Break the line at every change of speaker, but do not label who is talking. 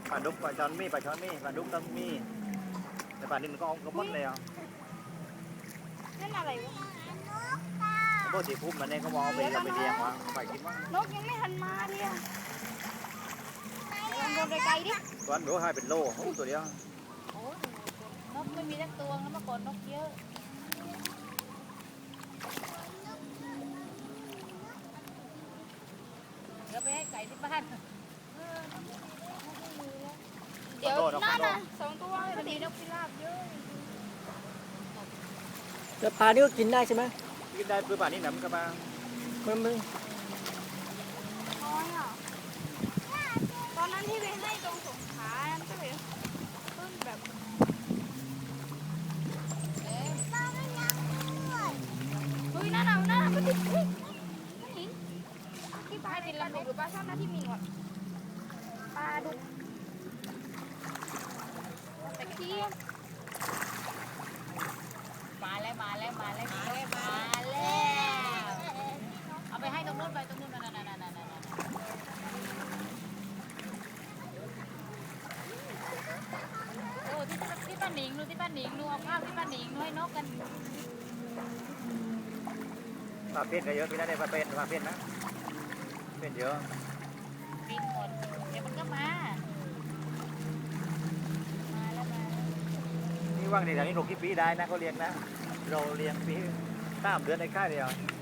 ปลาดุกปลาช้อนมีปลาช้อนมีปลาดุกต้องมีแต่ปลาดินก็เอากระป๋องเลยอ่ะ
นั่นอะไรวะ
พวกสีพุ่มมันเนี่ยเขาบอกเอาไปเราไปเลี้ยงวะไปกินมั้ง
นกยังไม่ทันมาเลยอะลองโดนไกลๆดิ
ตัวนั้นดูให้เป็นโลโอ้ตัวเดียว
โอ้ยนกไม่มีสักตัวแล้วเมื่อก่อนนกเยอะเดี๋ยวไปให้ไก่ที่บ้าน
เดี๋ยวนั่นน่ะ2 ตัวพอดีนกพิราบเยอะ
แล้วปลานี่ก็กินได้ใช่ไหม
กินได้ปื้อป่านนี้หนำก็มา
มัน
น้อยอ่ะตอนนั้นที่ไปให้ตรงสงขลาก็เลยเพิ่งแบบ
เอ๊ะ
เฮ้ยนั่นน่ะก็ติดนั่นหญิงที่ปลาดุกหรือปลาช่อนนะที่มีก่อนปลาดุกตะเคียน
มาแล้วเอาไปให้ตรงนู้นไปตรงนู้นนั่นโอ้ที่ป้าหนิงดูที่ป้าหนิงดูเอาข้าวที่ป้าหนิงดูให้นกกัน
ปลาเป็ดก็เยอะพี่ได้ปลาเป็ดนะเป็ดเยอะ
บินหมดเดี๋ยวมันก็มาแล้ว
นี่ว่างในแถวนี้6 ปีได้นะเขาเลี้ยงนะเราเลี้ยงปี3 เดือนในค่ายเดียว